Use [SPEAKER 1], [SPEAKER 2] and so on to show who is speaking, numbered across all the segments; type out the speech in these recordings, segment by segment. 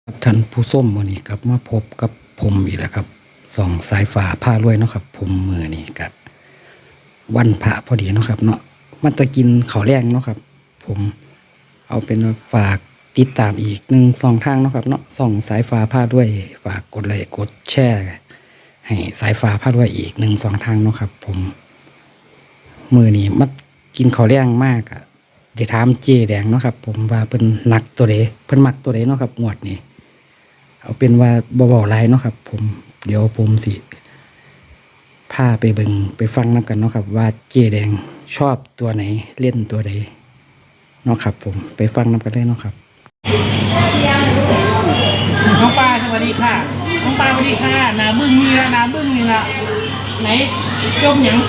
[SPEAKER 1] ครับท่านผู้ส้มมือนี้กลับมาพบกับผมอีกแล้วครับส่องสายฟ้าผ้ารวยเนาะครับผมมือนี้กับวันพระพอดีเนาะครับเนาะมันจะกินข้าวแรงเนาะครับผมเอาเป็นว่าฝากติดตามอีก1-2 ทางเนาะครับเนาะส่องสายฟ้าผ้ารวยฝากกดไลค์กดแชร์ให้สายฟ้าผ้ารวยอีก1-2 ทางเนาะครับผมมือนี้มากินข้าวแรงมากอะเดี๋ยวถามเจแดงเนาะครับผมว่าเพิ่นหนักตัวใดเพิ่นมักตัวใดเนาะครับงวดนี้เอาเป็นว่าเบาๆไรเนาะครับผมเดี๋ยวผมสิพาไปเบิ่งไปฟังน้ำกันเนาะครับว่าเจแดงชอบตัวไหนเล่นตัวใดเนาะครับผมไปฟังน้ำกันเลยเนาะครับ
[SPEAKER 2] น้องปลาสวัสดีค่ะน้องปลาสวัสดีค่ะนาบึ้งนี่ละนาบึ้งนี่ละไหนจมหยัง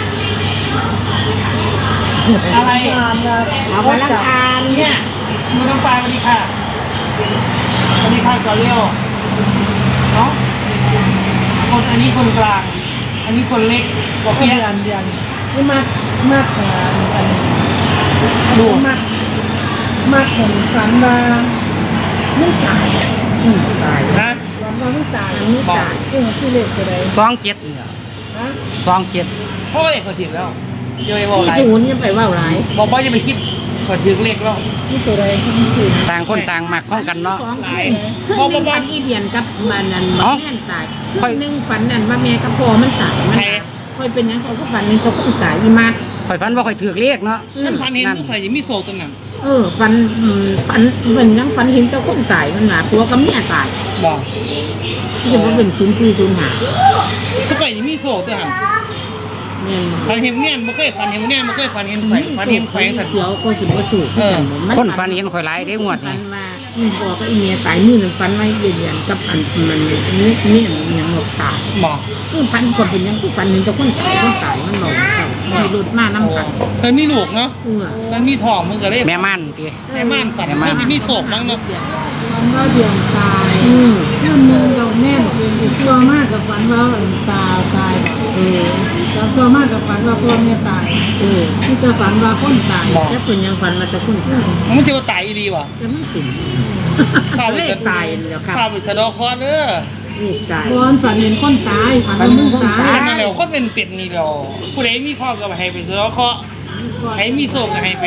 [SPEAKER 2] อะไร
[SPEAKER 3] เอาวันละทาน
[SPEAKER 2] เนี่ยมือน้องปลาสวัสดีค่ะสวัสดีค่ะก่อนเร็วเนาะคนอันนี้คนกลางอันนี้คนเล็กกว่า
[SPEAKER 3] เดื
[SPEAKER 2] เพี้ย
[SPEAKER 3] อนนี่มากกันดูมากคนฝันว่าไม่ตายตาย
[SPEAKER 2] นะ
[SPEAKER 3] ฝันว่าไม่ตายชื่อเล็กตัวใด
[SPEAKER 1] 27เนี่ย
[SPEAKER 3] ฮะ
[SPEAKER 1] 27
[SPEAKER 2] พ่อเอกเขาถึงแล้วจะไปบอกอะไร
[SPEAKER 3] ศูนย์ยังไปว่าหลาย
[SPEAKER 2] บอกว่าจะไปคิดเขาถึงเลขแล้ว
[SPEAKER 3] นี่ตัวใดที่ศูนย์
[SPEAKER 1] ต่างคนต่างมักของกันเนาะ
[SPEAKER 3] สองคือหนึ่งฝันอีเดียนกับมันนั่นแม่ตายคือหนึ่งฝันนั่นว่าแม่กับพ่อมันตายมันค่อยเป็นยังเขาก็ฝันนึงเขาก็ตายอีมัด
[SPEAKER 1] ข่อยฝันว่าข่อยถือเลขเนาะ
[SPEAKER 2] ท่านฟันเห็นทุกใครยังมีโซ่ตัวนั้น
[SPEAKER 3] ฝันเหมือนยังฝันเห็นเจ้าคนตายมันหนาตัวกับเมียตาย
[SPEAKER 2] บอก
[SPEAKER 3] ที่จะว่าเป็น0405
[SPEAKER 2] ทุกใครยังมีโซ่ตัวนั้น
[SPEAKER 3] เนี่ย
[SPEAKER 2] ฟันเห็นเงี้ยบ่เคยฟันเห็นเงี้ยบ่เคยฟันเห็นไฟฟันเห็นไฟสัตว์
[SPEAKER 3] เดี๋ยวก็สิบ่สูบ
[SPEAKER 1] คนฝันเห็นข่อยหลายเด้งวด
[SPEAKER 3] ฝั
[SPEAKER 1] นี่
[SPEAKER 3] นว่าบอกกับอีเมียตายมือนึงฝันไว้เดือนกับอันมันเนี่ยยังหมดตาย
[SPEAKER 2] บอก
[SPEAKER 3] ฝันคนเป็นยังฝันเห็นเจ้าคนตายมันหลงมีรถมานำกัน
[SPEAKER 2] เพิ่นมีลูกเนาะมันมีทองมันก็เลย
[SPEAKER 1] แม่ม่านติ
[SPEAKER 2] แม่ม่านฝันเขาสิมีโศกมั้งเนาะ
[SPEAKER 3] ก็เดือนตายเรื่องนึงเราแน่ตัวมากกับฝันว่าตายแล้วตัวมากกับฝันว่าพ่อแม่ตายที่จะฝันว่าคนตายแค่เป็นยังฝันว่าจะคนตาย
[SPEAKER 2] มันสิว่าตายอีหลีว่ะ
[SPEAKER 3] จะไม่ถึง
[SPEAKER 2] ข้าวไป
[SPEAKER 3] เลขตายแล้วครับ
[SPEAKER 2] ข้าวไปสะดอกคอเด้อ
[SPEAKER 3] นี่ตายร้อนฝันเห็นคนตายฝันว่ามึงตาย
[SPEAKER 2] นั่นแหละคนเป็นเป็ดนี่แหละผู้ใดมีข้อก็ให้ไปสะดอกคอให้มีโศกก็ให้ไป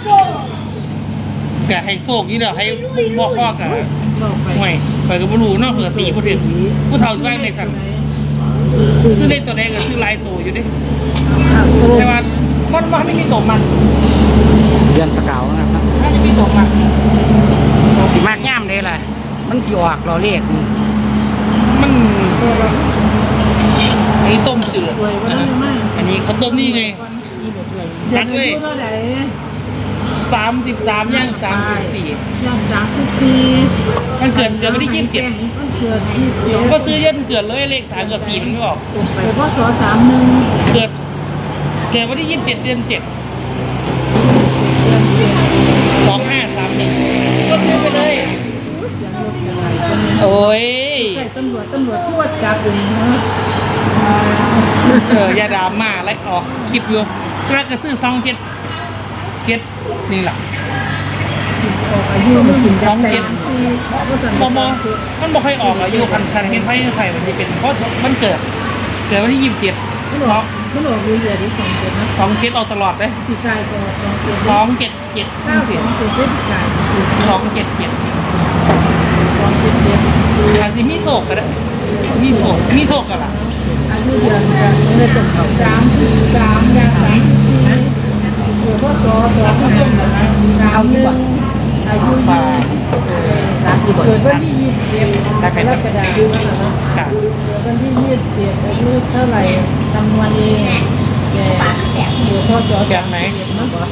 [SPEAKER 2] ก็ให้โศกนี่เด้อให้บ่ข้อก็
[SPEAKER 3] บอกไป
[SPEAKER 2] ห่วยไปก็บ่รู้เนาะเผื่อตีบ่ถึงผู้เฒ่าสิว่าในสั่นซื้อเลขตัวใดก็ซื้อหลายตัวอยู่เด้แต่ว่ามันไม่มีตกมัน
[SPEAKER 1] เดือนสกาวนะครับ
[SPEAKER 2] ถ้าไม่มีตกมัน
[SPEAKER 1] สิมากย่ามเด้ล่ะมันสิออกรอเลข
[SPEAKER 2] มันอันนี้ต้มจืด
[SPEAKER 3] รวยว่าได้มาก
[SPEAKER 2] อันนี้เขาต้มนี่ไง
[SPEAKER 3] นักเลยเท่าไหร่
[SPEAKER 2] 33ย่าง34
[SPEAKER 3] ย่าง34
[SPEAKER 2] มันเกิดวันที่27
[SPEAKER 3] มันเกิด27
[SPEAKER 2] ก็ซื้อเย็นเกิดเลยเลข3กับ4มันไม่ออก
[SPEAKER 3] ไปพศ31
[SPEAKER 2] เกิดวันที่27เดือน7 2531ก็ซื้อไปเลย โอ้ย
[SPEAKER 3] ใช่ตำรวจตรวจจับอยู่นะ
[SPEAKER 2] อย่าดราม่าไล่ออกคลิปอยู่แล้วก็ซื้อ277นี่แหละ
[SPEAKER 3] อายุมันกินจับแต่
[SPEAKER 2] บอมันบ่ค่อยออกอายุคันเห็นไพ่ไทยมันจะเป็นเพราะมันเกิดวันที่27
[SPEAKER 3] มันออกอยู่เดือนที่27นะ
[SPEAKER 2] 27ออกตลอดเลย
[SPEAKER 3] พี่กายก็27
[SPEAKER 2] 277
[SPEAKER 3] 927พี่กาย
[SPEAKER 2] 277
[SPEAKER 3] 277
[SPEAKER 2] อาจจะมีโศกก็ได้มีโศกกันล่ะ
[SPEAKER 3] อายุเดือนกันเลยเป็นเขา33อย่าง34นะพศ2531อายุเกิดวันที่27กรกฎาคมนะ
[SPEAKER 2] ค่ะ
[SPEAKER 3] วันที่27อายุเท่าไหร่จำนวนเองอยู่พศ
[SPEAKER 2] จากไหน
[SPEAKER 3] มั้งบ่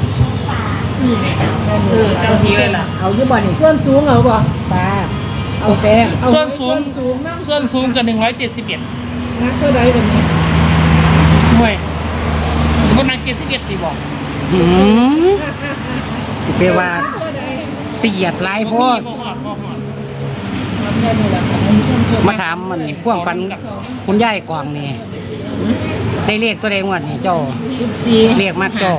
[SPEAKER 2] เจ้าสีเลยล่ะ
[SPEAKER 3] เอาอยู่บ่นี่ส่วนสูงเอาบ่ป้าเอาแป้ง
[SPEAKER 2] ส่วนสูง
[SPEAKER 3] นะ
[SPEAKER 2] ส่วนสูงกับ171
[SPEAKER 3] นักเท่าใดบัดนี้
[SPEAKER 2] ห่วยคนนัก71ตีบอก
[SPEAKER 1] หืมสิไปว่าไปเหยียดหลายโพดมาถามมันพ่วงปันคุณยายกวางนี่ได้เลขตัวใดงวดนี่เจ้า
[SPEAKER 3] 14
[SPEAKER 1] เรียกมากเจ้า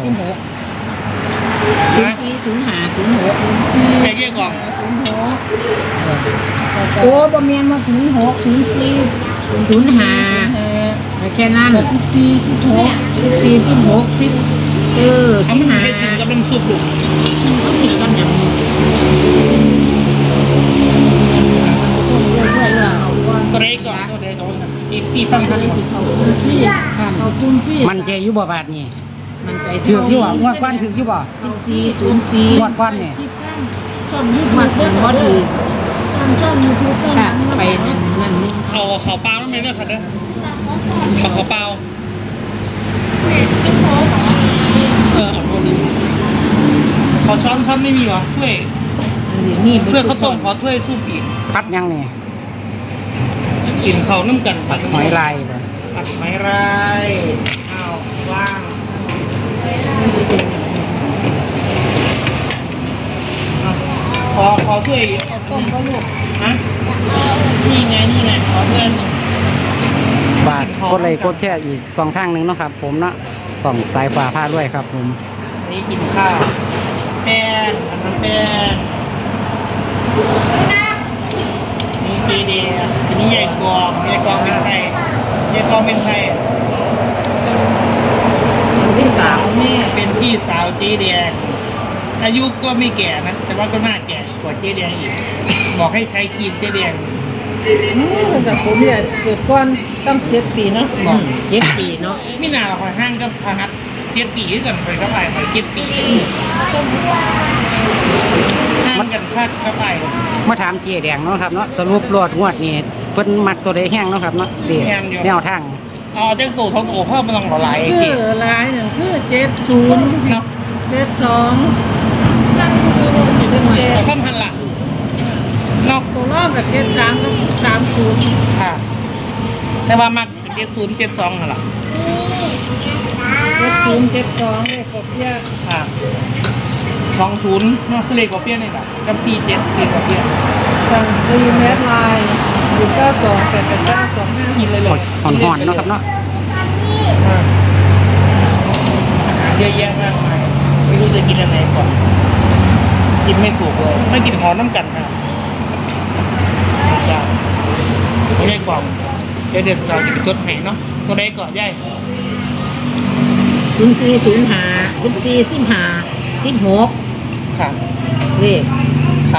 [SPEAKER 3] 040506
[SPEAKER 2] แกเกี่ยกล่อง
[SPEAKER 3] 06 โอ้บ่แม่นว่า06 04 05แค่นั้น14 16 10
[SPEAKER 2] เอามันเฮ็ดกินกับน้ำซุปลูก
[SPEAKER 3] ต้องกินกันอย่างนี้เอาก่อน
[SPEAKER 2] ตัวใดก่อนตัวใดก่อนอีก4ฟังทัน
[SPEAKER 3] ขอบคุณพี่
[SPEAKER 1] มันใจอยู่บ่บาทนี่
[SPEAKER 3] มันใจ
[SPEAKER 1] ถืออยู่บ่งวดก้อนถืออยู่บ่
[SPEAKER 3] 1404
[SPEAKER 1] งวดก้อนเนี่ย
[SPEAKER 3] ช่องยูทูบบ่ถือช่องยูทูบค่ะไปนั่นนี่
[SPEAKER 2] เอาขาวเปล่าแล้วไหมเนี่ยค่ะเด้อเอาขาวเปล่าเอาตัวนี้ขอช้อนไม่มีเหรอถ้วย
[SPEAKER 3] นี่
[SPEAKER 2] เพื่อข้าวต้มขอถ้วยซุปอีก
[SPEAKER 1] พัดยังนี่
[SPEAKER 2] กินข้าวน้ำกันผัด
[SPEAKER 1] หอยลายบ่
[SPEAKER 2] ผัดหอยลายข้าวว่างขอถ้วยข้าวต้มก็ลูกฮะนี่ไงขอถ้วยหนึ่ง
[SPEAKER 1] บาทกดไลค์กดแชร์อีก2ทางหนึงเนาะครับ ผมเนาะส่องสายฟ้าพาด้วยครับผม
[SPEAKER 2] อันนี้กินข้าวแป้งอันนั้นแป้งนี่เจเดียอันนี้ใหญ่กองเป็นไทย
[SPEAKER 3] พี่สาว
[SPEAKER 2] แม่เป็นพี่สาวเจเดียอายุก็ไม่แก่นะ แต่ว่าก็น่าแก่กว่าเจเดียอีกบอกให้ใช้ครีมเจเดีย
[SPEAKER 3] กับผมเนี่ยเกิดก่อนตั้ง7 ปีเนาะบอก7 ปีเนาะ
[SPEAKER 2] ไม่นานหรอกคอยห้างก็พาหัด7 ปีด้วยกันคอยเข้าไปคอย7 ปีห้างกันคัดเข้าไป
[SPEAKER 1] มาถามเจ๊แดงเนาะครับเนาะสรุปรอดงวดนี่เพิ่นมักตัวใดแห้งเนาะครับเนาะเด็แนวทาง
[SPEAKER 2] เอาเจ้าตู่ท้องโตเพิ่มมาลองหลาย
[SPEAKER 3] คื
[SPEAKER 2] เก
[SPEAKER 3] อลายหนึ่งคือ70
[SPEAKER 2] เนาะ
[SPEAKER 3] 72
[SPEAKER 2] แต่ซ้ำพันละเนาะ
[SPEAKER 3] ตัวรอบกับ73กับ30
[SPEAKER 2] ค่ะ แต่ว่ามักเป็น70 72นั่นแหละ
[SPEAKER 3] 70 72เลขกบเยอะ
[SPEAKER 2] ค่ะ20เนาะสเลกกว่าเปี้ยนนี่แหละกับ47เลกกว่าเปี้ยน
[SPEAKER 3] สั่งตีแมสไลน์92 889
[SPEAKER 2] กินเลยเลย
[SPEAKER 1] ห่อนๆเนาะครับเนาะ
[SPEAKER 2] เยอะแยะมากมายไม่รู้จะกินอะไรก่อนกินไม่ถูกเลยไม่กินหอน้ำกันค่ะจ้าไม่ได้กล่องเดี๋ยวเราจะไปจดให้เนาะตัวใดก่อนย่าย
[SPEAKER 3] 04 05 14 15 16
[SPEAKER 2] ค่ะ
[SPEAKER 3] เลข
[SPEAKER 2] ค่ะ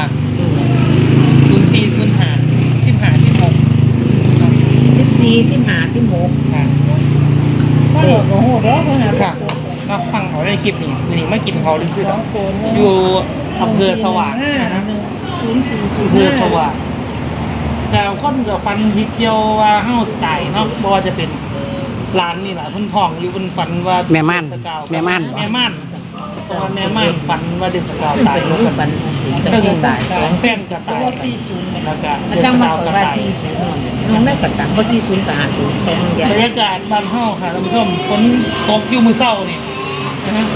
[SPEAKER 2] 04 05 15 16
[SPEAKER 3] 14 15 16
[SPEAKER 2] ค่ะ
[SPEAKER 3] ก็โอ้โหแล้วเพิ่นหา
[SPEAKER 2] ค่ะเราฟังเขาในคลิปนี้วันนี้ไม่กินเขาดื้อๆอยู่อำเภอสว่างนะฮะ อำเภอสว่างแต่คนกับฟันยิเกียวว่าเฮ้าตายเนาะบ่ว่าจะเป็นร้านนี่แหละเพิ่นทองอยู่เพิ่นฝันว่า
[SPEAKER 1] แม่ม่าน
[SPEAKER 2] เดสกาว
[SPEAKER 1] แม่ม่าน
[SPEAKER 2] แม่ม่านเพราะว่าแม่ม่านฝันว่าเดสกาวตาย
[SPEAKER 3] เป็นรูปปัน
[SPEAKER 2] ตึง
[SPEAKER 3] ตาย
[SPEAKER 2] แฟนก็ตายแล้วก็
[SPEAKER 3] อา
[SPEAKER 2] เด
[SPEAKER 3] จาร
[SPEAKER 2] ส
[SPEAKER 3] ย์มาก
[SPEAKER 2] าว
[SPEAKER 3] ก
[SPEAKER 2] ก็
[SPEAKER 3] ว่า
[SPEAKER 2] ตาย
[SPEAKER 3] 40น้องได้กระตังบ่40กับ50ตรงเดียว
[SPEAKER 2] บรรยากาศบ้านเฮาค่ะท่านผู้ชมฝนตกอยู่มื้อเช้านี่นะฮะ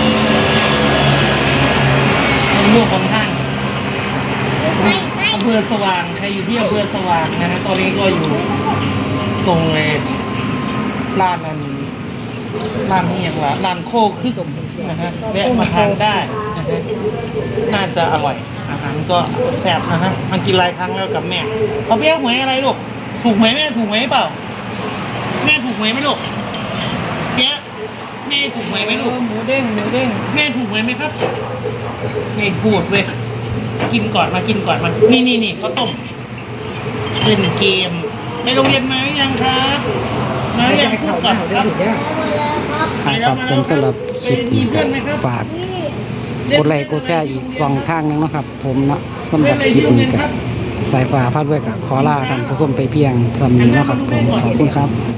[SPEAKER 2] เป็นลูกคนทางอำเภอสว่างใครอยู่ที่อำเภอสว่างนะฮะตอนนี้ก็อยู่ตรงร้านอันร้านนี้อย่างละร้านโคคึกนะฮะแวะมาทานได้นะฮะน่าจะอร่อยอาหารก็แซ่บนะฮะมันกินหลายครั้งแล้วกับแม่เขาเปี้ยหวยอะไรลูกถูกไหมแม่ถูกไหมเปล่าแม่ถูกไหมไหมลูกเปี้ยแม่ถูกไหมไหมลูก
[SPEAKER 3] หมูเด้ง
[SPEAKER 2] แม่ถูกไหมครับนี่พูดเว้ยกินก่อนมากินก่อนมานี่ข้าวต้มเล่นเกมไปโรงเรียนมาหรือยังครับมาหรือยังพูดก่อนครับ
[SPEAKER 1] ครับผมสำหรับคลิปนี้ก็ฝากกดไลค์กดแชร์อีก2ทางหนึงเนาะครับ ผมเนาะสำหรับคลิปนี้ก็สายฟ้าพาด้วยกับขอลาท่านผู้ชมไปเพียงสำนี้เนาะครับผมขอบคุณครับ